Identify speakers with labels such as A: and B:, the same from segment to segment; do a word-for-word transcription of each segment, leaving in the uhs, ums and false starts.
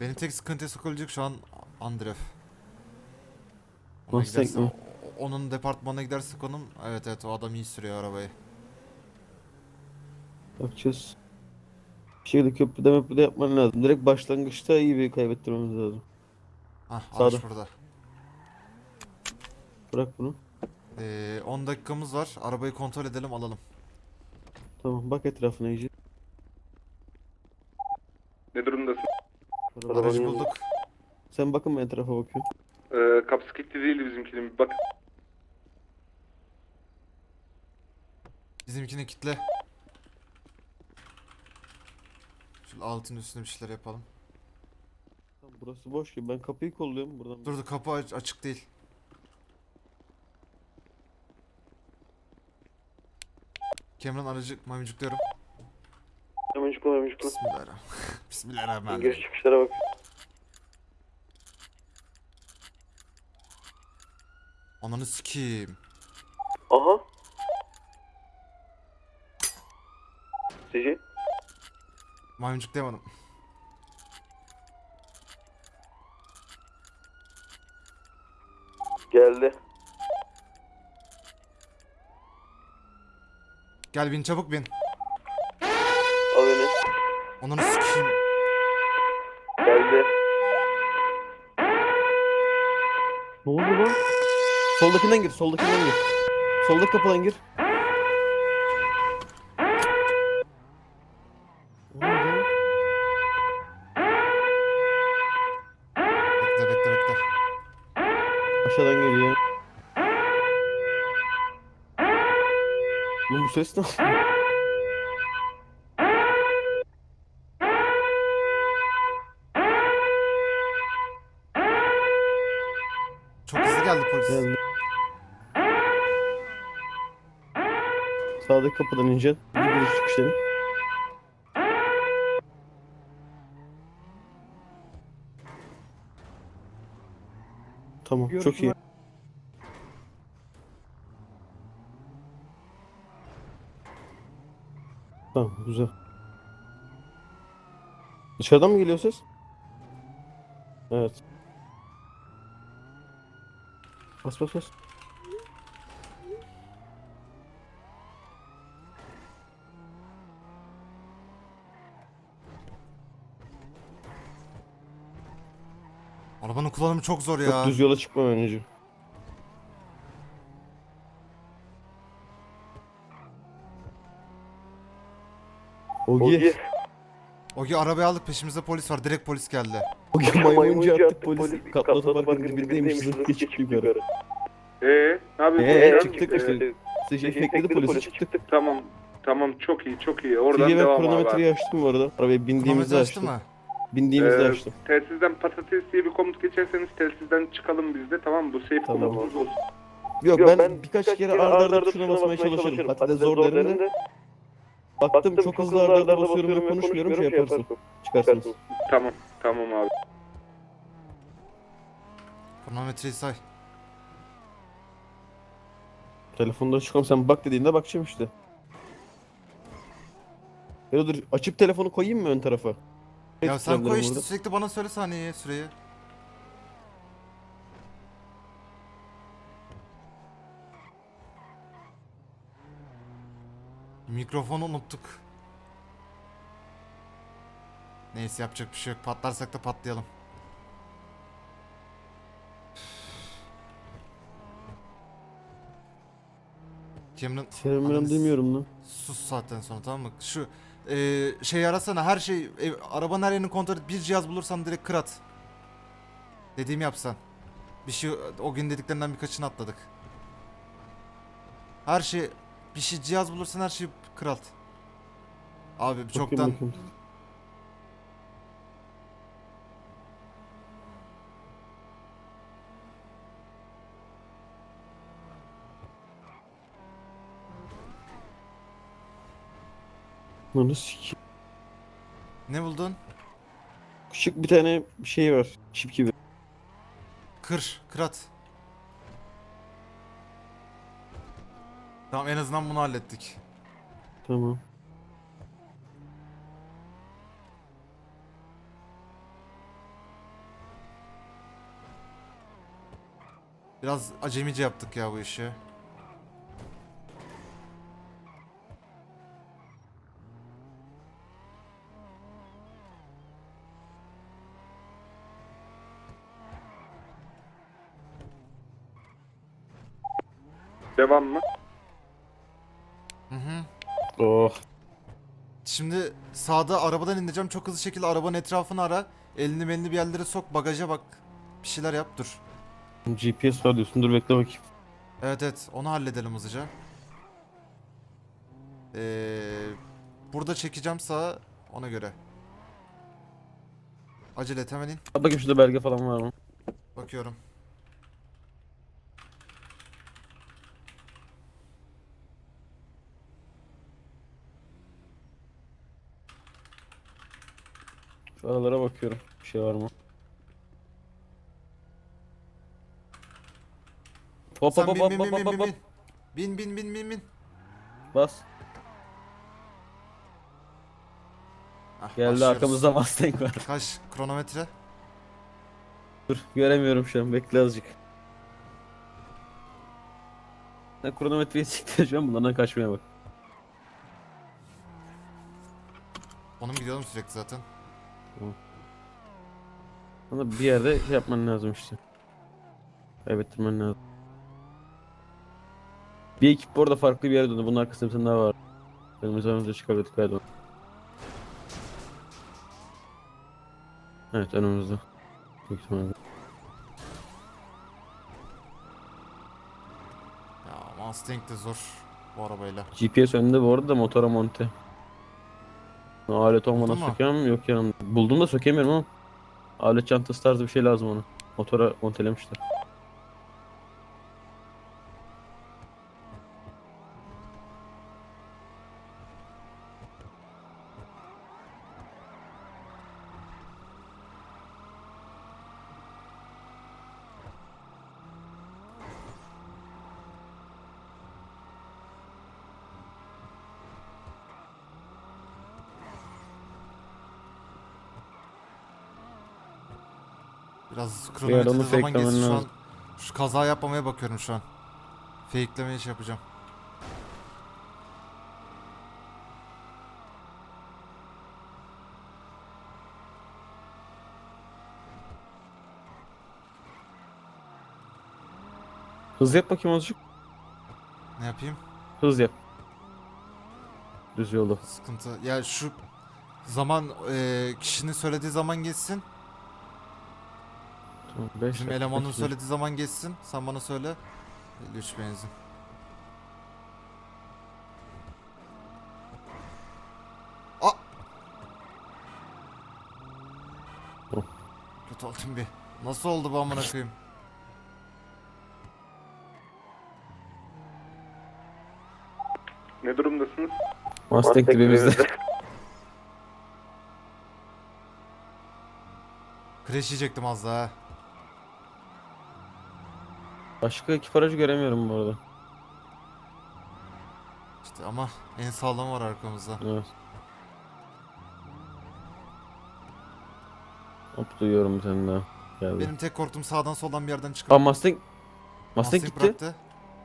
A: Benim tek sıkıntıya sokabilecek şu an Andrev. Ona
B: Mustang
A: giderse
B: mi?
A: o- onun departmanına gidersek onun evet evet o adam iyi sürüyor arabayı.
B: Bakacağız. Bir şekilde köprüde möprüde yapman lazım. Direkt başlangıçta iyi bir kaybettirmemiz lazım.
A: Hah
B: Sağda.
A: araç burada.
B: Bırak bunu.
A: Ee, on dakikamız var. Arabayı kontrol edelim alalım.
B: Tamam bak etrafına iyice.
C: Ne durumdasın?
B: Arabanın
A: Aracı
B: yanında.
A: bulduk.
B: Sen bakın ben etrafa bakıyorum.
C: Ee, kapısı kilitli değildi bizimkinin. Bir bak.
A: Bizimkini kitle. Şu altın üstüne bir şeyler yapalım.
B: Tamam, burası boş gibi. Ben kapıyı kolluyorum buradan.
A: Dur dur kapı aç- açık değil. Cameron aracı maymuncukluyorum.
B: Hemen çıkma hemen çıkma.
A: Bismillahirrahmanirrahim.
B: Giriş
A: Bismillahirrahmanirrahim.
B: çıkışlara bak.
A: Ananı sikeyim.
B: Aha. Sici.
A: Maymuncuklayamadım.
B: Geldi.
A: Gel bin çabuk bin.
B: Al beni.
A: Ananı sikeyim.
B: Geldi. Ne oldu lan? Soldakinden gir, soldakinden gir. Soldaki kapıdan gir. Ne oldu?
A: Bekle bekle bekle.
B: Aşağıdan geliyor. Lan bu ses ne?
A: Çok hızlı geldi polis.
B: Geldi. Sağdaki kapıdan ineceksin. Bir giriş çıkış dedim. Tamam, çok iyi. Tamam, güzel. Dışarıdan mı geliyor ses? Evet. Bas bas bas.
A: Arabanın kullanımı çok zor
B: Çok
A: ya.
B: düz yola çıkma önce. Ogi.
A: Ogi arabayı aldık peşimizde polis var. Direkt polis geldi.
B: Ogi maymuncu attık polis. Katlı otoparkın dibindeymiş. Zırh geçip yukarı.
C: Ee, ne yapıyorsun?
B: Eee
C: Ee,
B: çıktık işte. Şey fekledi polisi çıktık.
C: Tamam. Tamam çok iyi çok iyi. Oradan
B: Sige ben
C: devam abi.
B: kronometreyi açtım bu arada. Arabaya bindiğimizde
A: Kronometre açtı
B: açtım.
A: mı?
B: Bindiğimizde
C: Ee,
B: açtım.
C: Telsizden patates diye bir komut geçerseniz telsizden çıkalım biz de, tamam mı? Bu safe
B: Tamam.
C: komutumuz olsun.
B: Yok, ben, birkaç kere arda arda tuşuna basmaya çalışırım. Hatta de zor derim de. Baktım çok hızlı arda arda basıyorum ve konuşmuyorum, şey yaparsın. Çıkarsınız.
C: Tamam. Tamam abi.
A: Kronometreyi say.
B: Telefonda çıkalım, sen bak dediğinde bakacağım işte. Ya dur, açıp telefonu koyayım mı ön tarafa?
A: Ya sen koy işte
B: Burada.
A: sürekli bana söyle saniyeyi süreyi. Mikrofonu unuttuk. Neyse yapacak bir şey yok. Patlarsak da patlayalım. Cameron
B: Selam
A: Ananı s-
B: demiyorum lan.
A: sus saatten sonra tamam mı? Şu e, şey arasana her şey ev, arabanın her yerini kontrol et. Bir cihaz bulursan direkt kır at. Dediğimi yapsan. Bir şey o gün dediklerinden birkaçını atladık. Her şey bir şey cihaz bulursan her şeyi kır at. Abi
B: Bakayım,
A: çoktan
B: bakayım. Lan sik.
A: ne buldun?
B: Küçük bir tane şey var. Çip gibi.
A: Kır, kır at. Tamam en azından bunu hallettik.
B: Tamam.
A: Biraz acemice yaptık ya bu işi.
C: Devam mı?
A: Hı hı.
B: Oh.
A: Şimdi sağda arabadan ineceğim. Çok hızlı şekilde arabanın etrafını ara. Elini melini bir yerlere sok. Bagaja bak. Bir şeyler yap dur.
B: G P S var diyorsun. Dur bekle bakayım.
A: Evet evet onu halledelim hızlıca. Ee, burada çekeceğim sağa ona göre. Acele et hemen in.
B: Bak bakayım şurada belge falan var mı?
A: Bakıyorum.
B: Şu aralara bakıyorum. Bir şey var mı? Hop hop
A: Sen
B: hop
A: bin
B: hop
A: bin
B: hop
A: bin
B: hop
A: bin bin
B: hop.
A: bin. Bin bin bin bin bin.
B: Bas.
A: Ah,
B: Geldi
A: başlıyoruz.
B: arkamızda Mustang var.
A: Kaç kronometre?
B: Dur göremiyorum şu an. Bekle azıcık. Ne kronometreyi siktireceğim bunlardan kaçmaya bak.
A: Onun gidiyorum sürekli zaten.
B: Ama bir yerde şey yapman lazım işte. Kaybettirmen lazım. Bir ekip bu arada farklı bir yere döndü. Bunun arkasında bir tane daha var. Önümüze önümüze çıkabilirdik galiba. Evet önümüzde. Büyük ihtimalle.
A: Ya Mustang de zor bu arabayla.
B: G P S önünde bu arada da motora monte. Alet olmadan
A: Buldun mu?
B: sökemem yok yanımda. Buldum da sökemiyorum ama. Alet çantası tarzı bir şey lazım ona. Motora montelemişler.
A: Biraz
B: Bir
A: kronometrede
B: onu
A: zaman
B: fakelemen
A: geçsin şu an.
B: lazım.
A: Şu kaza yapmamaya bakıyorum şu an. Fake'lemeye şey yapacağım.
B: Hız yap bakayım azıcık.
A: Ne yapayım?
B: Hız yap. Düz yolda.
A: Sıkıntı. Ya şu zaman e, kişinin söylediği zaman geçsin.
B: Tamam, beş
A: Bizim
B: dakika
A: elemanın
B: bekle.
A: söylediği zaman geçsin. Sen bana söyle. elli üç benzin. Aa!
B: Oh.
A: Kötü oldum bir. Nasıl oldu bu amına koyayım?
C: Ne durumdasınız?
B: Mustang dibimizde.
A: Crash yiyecektim az daha.
B: Başka ekip aracı göremiyorum bu arada.
A: İşte ama en sağlam var arkamızda.
B: Evet. Hop duyuyorum bir tane daha. Geldi.
A: Benim tek korktuğum sağdan soldan bir yerden çıkıp
B: Aa Mustang. Mustang
A: Mustang
B: gitti.
A: bıraktı.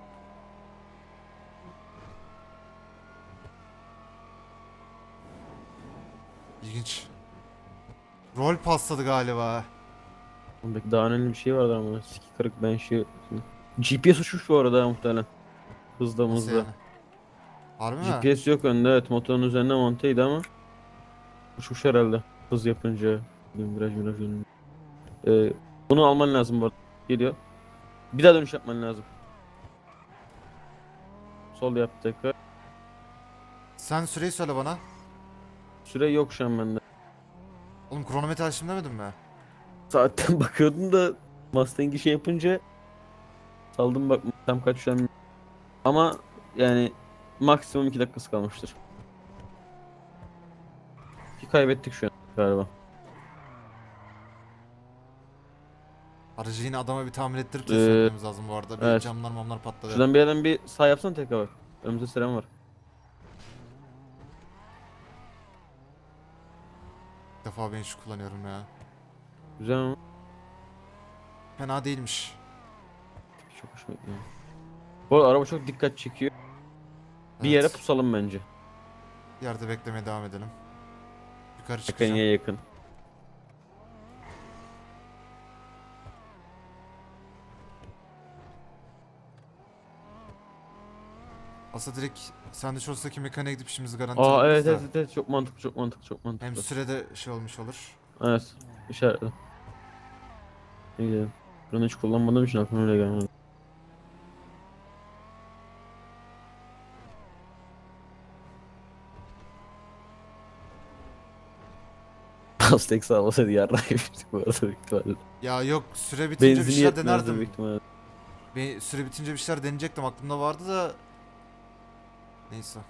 A: İlginç. Rol pasladı galiba.
B: Belki daha önemli bir şey vardı ama. Siki kırık ben şey... G P S uçmuş bu arada muhtemelen. Hızda
A: Nasıl
B: mızda.
A: yani? Harbi mi?
B: G P S yok önde, evet, motorun üzerine monteydi ama uçmuş herhalde hız yapınca. Viraj viraj dönünce. Ee, bunu alman lazım bu arada. Geliyor. Bir daha dönüş yapman lazım. Sol yap tekrar.
A: Sen süreyi söyle bana.
B: Süre yok şu an bende.
A: Oğlum kronometre açtım demedin mi?
B: Saatten bakıyordum da Mustang'i şey yapınca saldım, bak tam kaç şu an. Ama yani maksimum iki dakikası kalmıştır. Ki kaybettik şu an galiba.
A: Aracı yine adama bir tamir ettirip
B: Ee,
A: de söylememiz lazım bu arada. Bir
B: evet.
A: camlar mamlar patladı.
B: Şuradan bir yerden bir sağ yapsana tekrar bak. Önümüzde Seren var.
A: İlk defa ben şu kullanıyorum ya.
B: Güzel ama.
A: Fena değilmiş.
B: çok hoşuma gidiyor. Bu arada araba çok dikkat çekiyor. Bir yere
A: Evet.
B: pusalım bence.
A: Yerde beklemeye devam edelim. Yukarı çıkacağım.
B: Mekaniğe yakın.
A: Aslında direkt Sandviços'taki mekaniğe gidip işimizi garanti
B: Aa
A: alırız
B: evet
A: da.
B: evet evet çok mantıklı çok mantıklı çok mantıklı.
A: Hem sürede şey olmuş olur.
B: Evet işaretledim. İyi. Bunu hiç kullanmadığım için aklıma öyle gelmedi. Aztek sağlasaydı yarrak yemiştik bu arada büyük ihtimalle.
A: Ya yok, süre bitince bir
B: Benzini
A: şeyler
B: yetmezdi
A: denerdim.
B: büyük ihtimalle.
A: Bir süre bitince bir şeyler deneyecektim, aklımda vardı da. Neyse.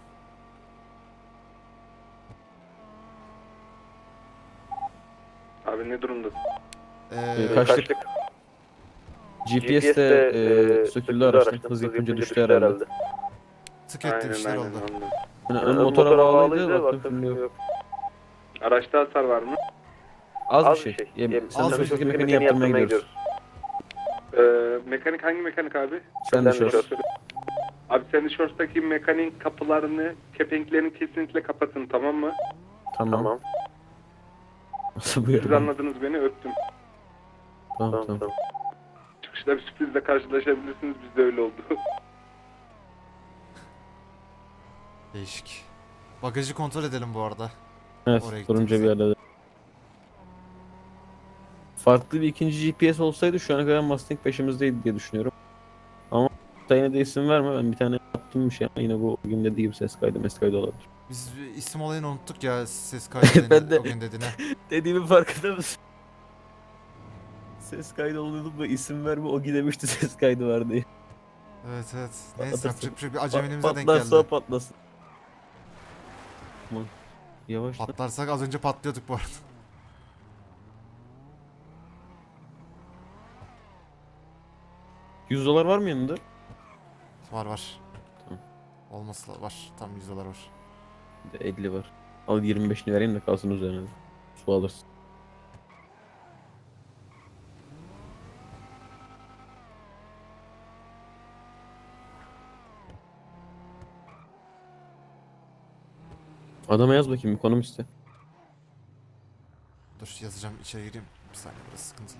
C: Abi ne durumda?
A: Ee,
B: Ee, kaçtık? G P S'te e, söküldü araçtan. Hız yapınca düştü herhalde.
A: tık etti bir şeyler oldu.
C: anladım.
B: Yani ön motora bağlıydı baktım şimdi yok.
C: Araçta hasar var mı?
B: Az, bir şey. Yem,
A: Az
B: sen
A: bir
B: de
A: şey.
B: çok mekaniği yaptırmaya gidiyoruz.
C: Ee, mekanik hangi mekanik abi?
B: Sen de şors.
C: Abi Sandviços'taki mekaniğin kapılarını, kepenklerini kesinlikle kapatın, tamam mı?
B: Tamam. Nasıl bu
C: Siz
B: ya?
C: anladınız beni, öptüm.
B: Tamam tamam.
C: Çıkışta bir sürprizle karşılaşabilirsiniz, bizde öyle oldu.
A: Değişik. Bagajı kontrol edelim bu arada.
B: Evet
A: Oraya
B: durunca bir
A: gittiğimizde.
B: yerde. Farklı bir ikinci G P S olsaydı şu ana kadar Mustang peşimizdeydi diye düşünüyorum. Ama da yine de isim verme, ben bir tane yaptım bir şey ama yine bu o gün dediği gibi ses kaydı mes kaydı olabilir.
A: Biz isim olayını unuttuk ya, ses kaydı
B: Ben
A: deni-
B: de-
A: o gün dediğine.
B: Dediğimin farkında mısın? Ses kaydı oluyordum da isim verme o gidemişti ses kaydı var diye.
A: Evet evet. Neyse,
B: Patlatırsın.
A: yapacak bir şey. Bir acemiliğimize denk
B: Patlarsa
A: geldi.
B: patlasın. Aman. Yavaş lan.
A: Patlarsak az önce patlıyorduk bu arada.
B: yüz dolar var mı yanında?
A: Var var.
B: Tamam.
A: Olması la- var. Tam yüz dolar var.
B: Bir de elli var. Al yirmi beşini vereyim de kalsın üzerine. Su alırsın. Adama yaz bakayım ekonomiste.
A: Dur yazacağım, içeri gireyim. Bir saniye, burası sıkıntılı.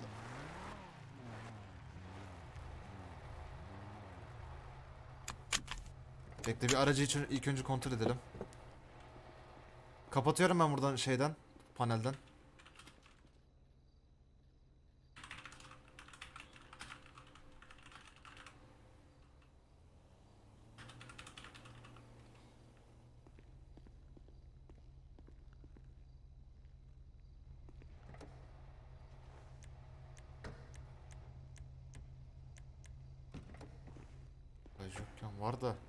A: Bekle, bir aracı için ilk önce kontrol edelim. Kapatıyorum ben buradan şeyden, panelden. Bagaj yokken var da.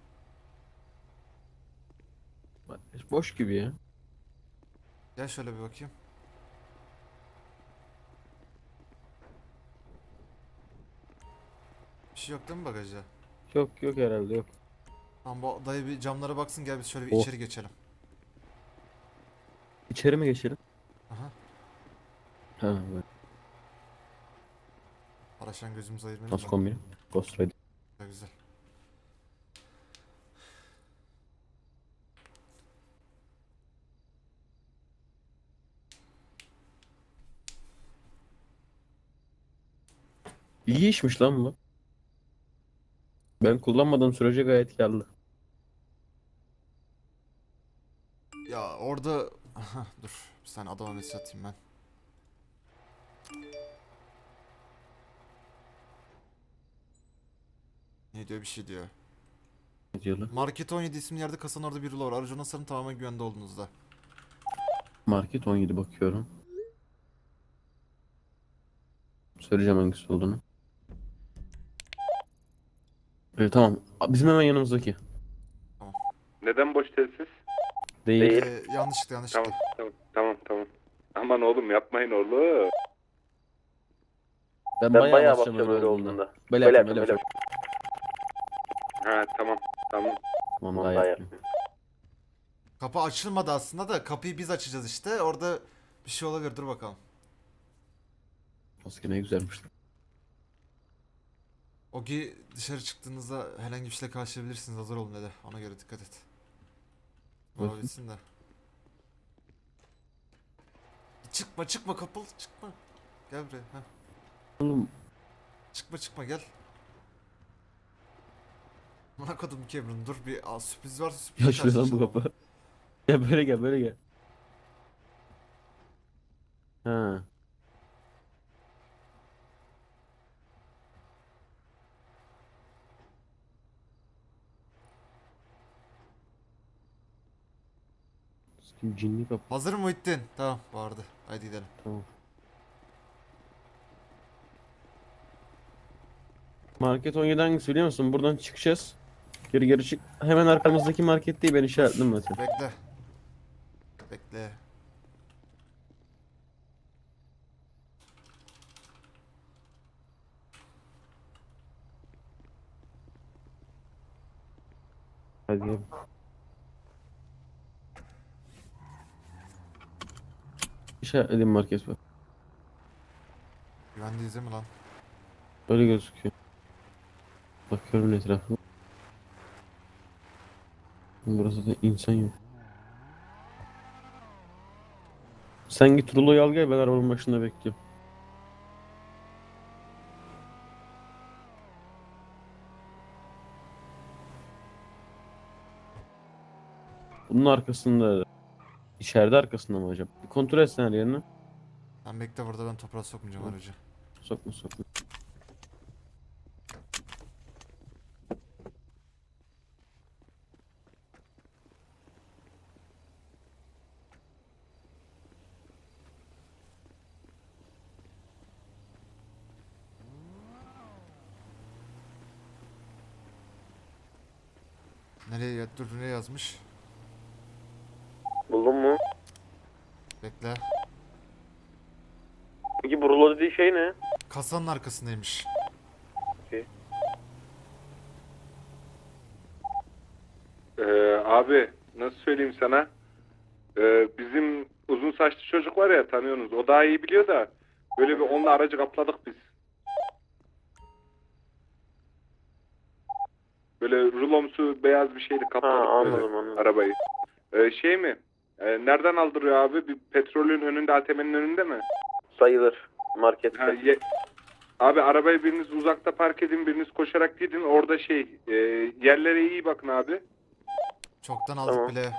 B: Boş gibi ya.
A: Gel şöyle bir bakayım. Bir şey yok değil mi bagajda?
B: Yok yok herhalde yok.
A: Tamam, bu dayı bir camlara baksın, gel biz şöyle bir
B: Oh.
A: içeri geçelim.
B: İçeri mi geçelim?
A: Aha.
B: Ha böyle.
A: Araçtan gözümüzü ayırmayalım
B: Nasıl
A: da.
B: kombin? Ghost Rider.
A: Güzel güzel.
B: İyi işmiş lan bu. Ben kullanmadığım sürece gayet karlı.
A: Ya orada... Aha, dur. Bir saniye adama mesaj atayım ben. Ne diyor, bir şey diyor.
B: Ne diyorlar?
A: Market on yedi isimli yerde kasanın orada biri var. Aracı ona sarın, tamamen güvende olduğunuzda.
B: Market on yedi bakıyorum. Söyleyeceğim hangisi olduğunu. Evet tamam. Bizim hemen yanımızdaki.
C: Neden boş telsiz?
B: Değil.
A: Ee, yanlışlıkla yanlışlıkla.
C: Tamam, tamam, tamam, tamam. Aman oğlum yapmayın oğlum.
B: Ben, bayağı, basacağım öyle olduğunda. Böyle yapayım böyle yapayım.
C: Ha tamam, tamam.
B: Tamam daha yapayım.
A: Kapı açılmadı aslında da, kapıyı biz açacağız işte. Orada bir şey olabilir, dur bakalım.
B: Maske ne güzelmiş.
A: Ogi dışarı çıktığınızda herhangi bir şeyle karşılayabilirsiniz. Hazır olun dedi. Ona göre dikkat et. Bana
B: Bakın.
A: bitsin de. Çıkma çıkma kapalı çıkma. Gel buraya. Heh.
B: Oğlum
A: Çıkma çıkma gel. Bana kodum Cameron dur bir aa, sürpriz varsa sürpriz
B: ya şuraya lan bu kapı. Gel böyle gel böyle gel. Ha. Kim cinli kapı.
A: Hazır mı Muhittin? Tamam bağırdı. Haydi gidelim.
B: Tamam. Market on yedi hangisi biliyor musun? Buradan çıkacağız. Geri geri çık. Hemen arkamızdaki market değil, ben işaretledim zaten.
A: Bekle. Bekle.
B: Hadi gel. İşaretledim market bak.
A: Güvendeyiz değil mi lan?
B: Böyle gözüküyor. Bakıyorum etrafıma. Burası da insan yok. Sen git ruloyu al gel, ben arabanın başında bekliyorum. Bunun arkasında, içeride arkasında mı acaba? Bir kontrol etsen her yerini.
A: Sen bekle burada ben toprağa sokmayacağım aracı.
B: Sokma sokma.
A: Nereye ya- dur nereye yazmış?
B: Buldun mu?
A: Bekle.
B: Peki bu rulo dediği şey ne?
A: Kasanın arkasındaymış.
C: Ee, abi nasıl söyleyeyim sana? Ee, bizim uzun saçlı çocuk var ya, tanıyorsunuz. O daha iyi biliyor da böyle bir onunla aracı kapladık biz. Böyle rulomsu beyaz bir şeyle kapladık
B: Ha, anladım,
C: böyle
B: anladım.
C: arabayı. Ee, şey mi? Ee, nereden aldırıyor abi? Bir petrolün önünde, A T M'nin önünde mi?
B: Sayılır. Markette.
C: Ha, ye- abi arabayı biriniz uzakta park edin, biriniz koşarak gidin. Orada şey, e, yerlere iyi bakın abi.
A: Çoktan aldık
B: Tamam.
A: bile.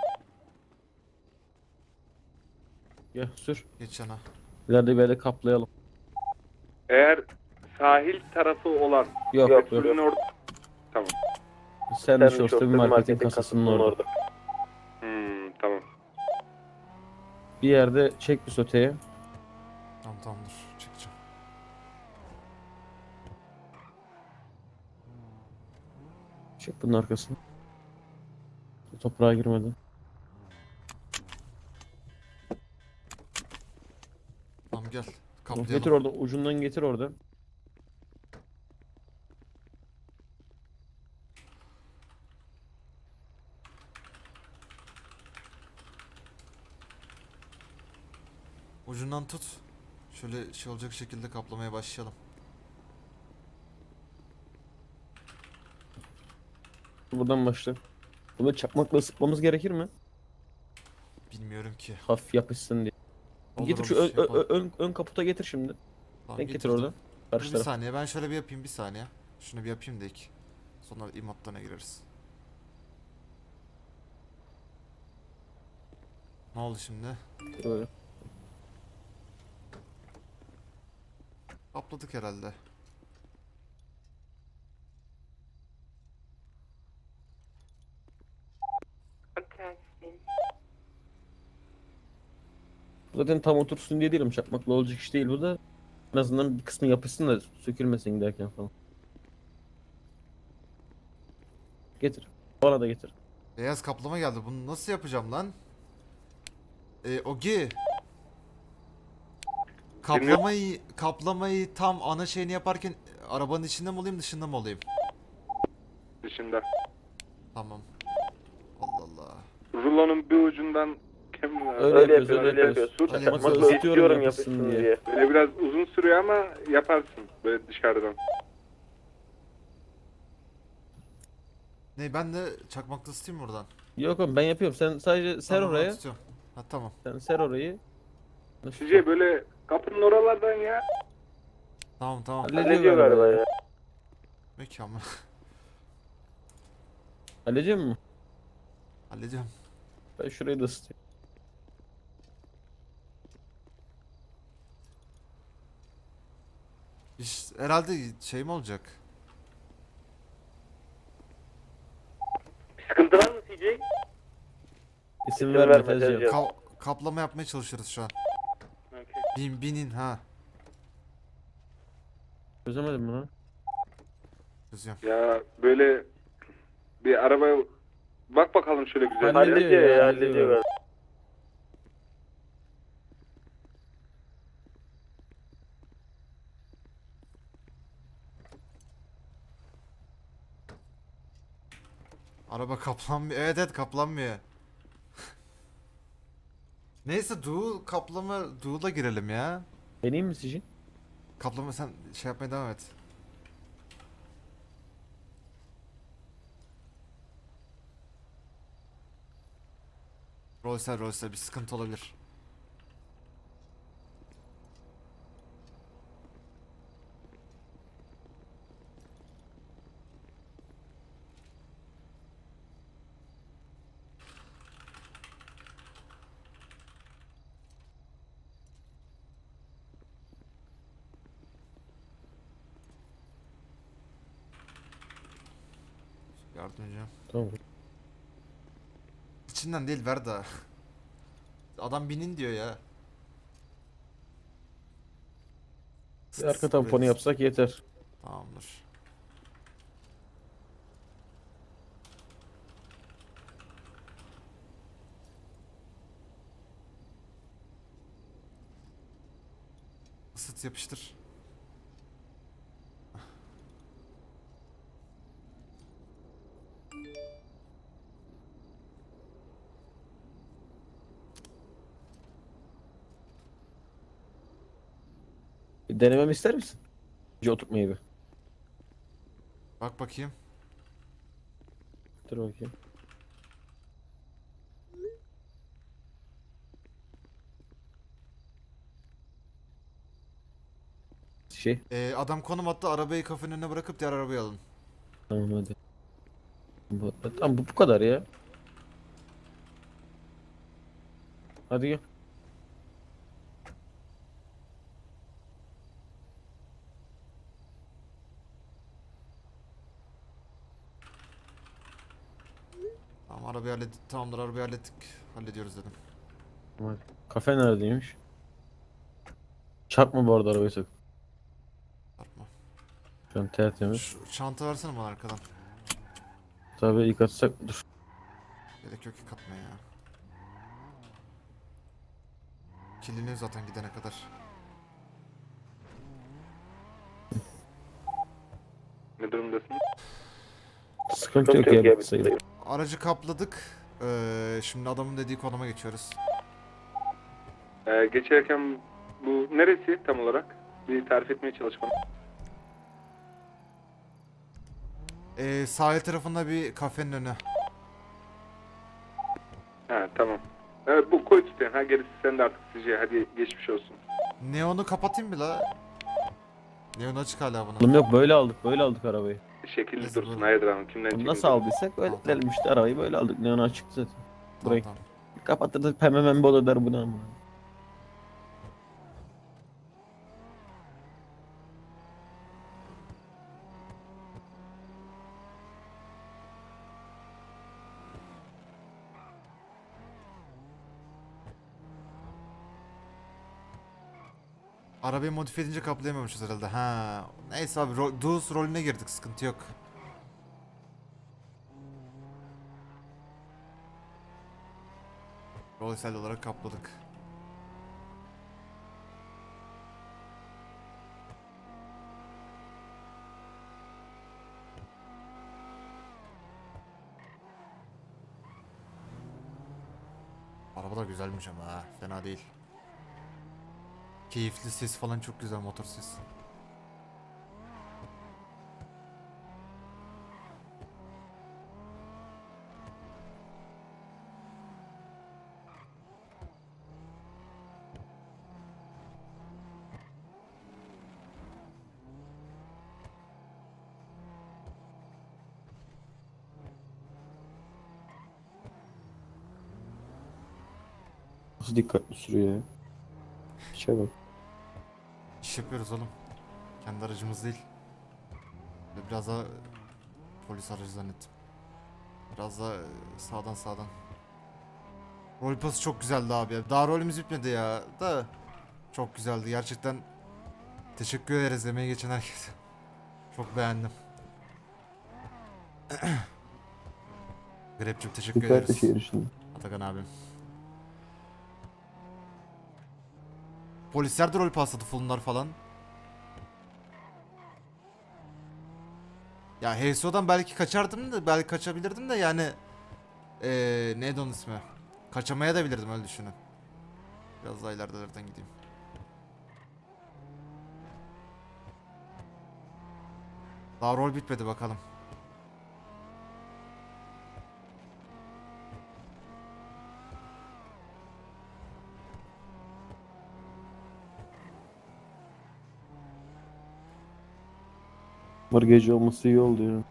B: Gel sür.
A: Geç yana.
B: İleride böyle kaplayalım.
C: Eğer sahil tarafı olan
B: Yok yok.
C: petrolün orada... Tamam.
B: Sen de şu bir marketin kasasının orada.
C: Hmm, tamam.
B: Bir yerde çek bir soteye.
A: Tamam tamam dur çekeceğim.
B: Çek bunun arkasını. Toprağa girmeden.
A: Tamam gel.
B: Getir
A: Kaplayalım.
B: orada, ucundan getir orada.
A: Ucundan tut. Şöyle şey olacak şekilde kaplamaya başlayalım.
B: Buradan başla. Bunu çakmakla ısıtmamız gerekir mi?
A: Bilmiyorum ki.
B: Hafif yapışsın diye.
A: Olur,
B: Getir şu
A: olur,
B: ön,
A: şey yapalım.
B: ön, ön, ön kaputa getir şimdi.
A: Tamam,
B: Denk getir
A: getirdim.
B: orada.
A: Dur
B: Karşı
A: bir
B: taraf.
A: saniye ben şöyle bir yapayım bir saniye. Şunu bir yapayım da ilk. Sonra imatlarına gireriz. Ne oldu şimdi?
B: Böyle.
A: Kapladık herhalde.
B: Zaten tam otursun diye değilim. Çakmakla olacak iş değil bu da. En azından bir kısmı yapışsın da sökülmesin giderken falan. Getir. Bana da getir.
A: Beyaz kaplama geldi. Bunu nasıl yapacağım lan? Ee, Ogi. Kaplamayı kaplamayı tam ana şeyini yaparken arabanın içinde mi olayım dışında mı olayım?
C: Dışında.
A: Tamam. Allah Allah.
C: Rulonun bir ucundan kemin
B: Öyle yapıyoruz, öyle yapıyoruz.
C: Dur,
A: Öyle
B: Çakmakla
A: yapıyoruz.
B: ısıtıyorum yapışsın diye.
C: Böyle biraz uzun sürüyor ama yaparsın böyle dışarıdan.
A: Ne ben de çakmakta ısıtayım mı buradan?
B: Yok oğlum ben yapıyorum. Sen sadece ser
A: Tamam, ben
B: oraya.
A: tutuyorum. Ha tamam.
B: Sen ser orayı.
C: Sizce böyle kapının oralardan ya.
A: Tamam tamam.
B: Hallediyor galiba ya.
A: Mükemmel.
B: Halledecek mi?
A: Halledeceğim.
B: Ben şurayı da ısıtayım.
A: İş, herhalde şey mi olacak?
D: Sıkıntı var mı C J?
B: İsim verme
D: verme,
B: Tezcan.
D: Tezcan.
A: Ka- kaplama yapmaya çalışıyoruz şu an.
D: Okey.
A: Bin binin ha.
B: Çözemedim mi lan?
A: Çözüyorum.
C: Ya böyle bir arabaya bak bakalım şöyle güzel.
B: Hallediyor
D: Hallediyor
B: ya,
D: ya,
B: hallediyor
D: hallediyor.
B: galiba.
A: Araba kaplanmıyor. Evet evet kaplanmıyor. Neyse Doğu kaplama Doğu'da girelim ya.
B: Deneyim mi sizce?
A: Kaplama sen şey yapmaya devam et. Rolser rolser bir sıkıntı olabilir. Yardımcı.
B: Tamam.
A: İçinden değil ver daha. Adam binin diyor ya.
B: Bir arka tamponu yapsak yeter.
A: Tamamdır. Isıt yapıştır.
B: Bir denememi ister misin? Önce oturtmayı bir.
A: Bak bakayım.
B: Dur bakayım. Şey.
A: Ee, adam konum attı arabayı kafenin önüne bırakıp diğer arabayı alın.
B: Tamam hadi. Bu, tamam bu, bu kadar ya. Hadi gel.
A: Tamam arabayı hallettik. Tamamdır arabayı hallettik. Hallediyoruz dedim.
B: Hadi. Kafe neredeymiş? Çarpma bu arada arabayı sakın.
A: Çarpma.
B: Şu an tertemiz.
A: Şu çanta versene bana arkadan.
B: Tabii ilk atsak dur.
A: Gerek yok ki katmaya ya. Kirleniyor zaten gidene kadar.
C: Ne durumdasın?
B: Sıkıntı yok ya bitti sayılır.
A: Aracı kapladık. Ee, şimdi adamın dediği konuma geçiyoruz.
C: Ee, geçerken bu neresi tam olarak? Bir tarif etmeye çalış bana.
A: Ee, sahil tarafında bir kafenin önü.
C: Ha tamam. Evet bu koy tutuyor. Ha gerisi sen de artık sizce. Hadi geçmiş olsun.
A: Neonu kapatayım mı la? Neon açık hala buna.
B: Oğlum yok böyle aldık böyle aldık arabayı.
C: Şekilli
A: Neyse,
C: dursun.
A: buyurun.
C: Hayırdır hanım. Kimden
B: Bunu
C: çekince?
B: nasıl aldıysak öyle
A: Tamam, tamam.
B: gidelim işte arabayı böyle aldık. Neon açık zaten.
A: Tamam,
B: Burayı
A: tamam.
B: kapatırdık pembe membe olur der buna ama.
A: Arabayı modifiye edince kaplayamamışız herhalde. Ha. Neyse abi ro Duz rolüne girdik sıkıntı yok. Rolsel olarak kapladık. Araba da güzelmiş ama ha. Fena değil. Keyifli ses falan çok güzel motor ses.
B: Nasıl dikkatli sürüyor ya. İşe bak.
A: İş yapıyoruz oğlum. Kendi aracımız değil. Ve biraz daha polis aracı zannettim. Biraz daha sağdan sağdan. Rol pası çok güzeldi abi. Daha rolümüz bitmedi ya. Da çok güzeldi gerçekten. Teşekkür ederiz emeği geçen herkese. Çok beğendim. Grep'cim teşekkür
B: Dikkatli
A: ederiz.
B: şehir içinde.
A: Atakan abim. Polisler de rol pasladı fulunlar falan. Ya H S O'dan belki kaçardım da belki kaçabilirdim de yani ee, neydi onun ismi? Kaçamaya da bilirdim öyle düşünün. Biraz daha ileridelerden gideyim. Daha rol bitmedi bakalım.
B: Var gece olması iyi oldu ya.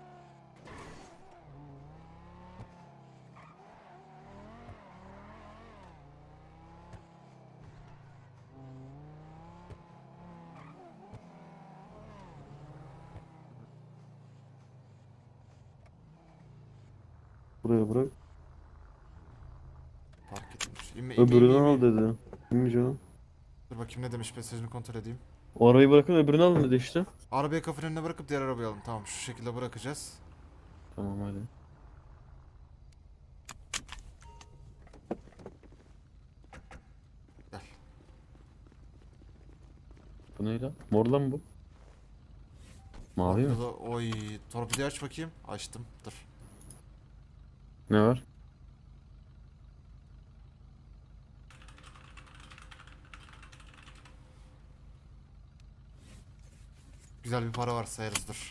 B: Buraya bırak.
A: Fark edilmiş. İnme, inme,
B: Öbürünü
A: inme,
B: al
A: inme.
B: dedi. Kimmiş o?
A: Dur bakayım ne demiş, mesajını kontrol edeyim.
B: O arabayı bırakın öbürünü alın dedi işte.
A: Arabayı kapının önüne bırakıp diğer arabayı alalım. Tamam şu şekilde bırakacağız.
B: Tamam hadi.
A: Gel.
B: Bu ne lan? Mor lan bu. Mavi mi?
A: Burada- Oy, torpidoyu aç bakayım. Açtım. Dur.
B: Ne var?
A: Güzel bir para var sayarız dur.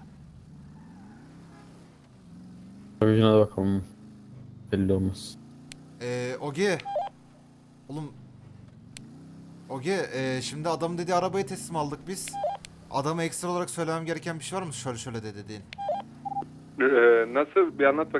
B: Bagajına da bakalım. Belli olmaz.
A: Eee Ogi. Oğlum. Ogi eee, şimdi adamın dediği arabayı teslim aldık biz. Adama ekstra olarak söylemem gereken bir şey var mı? Şöyle şöyle de dediğin.
C: Ee, nasıl bir anlat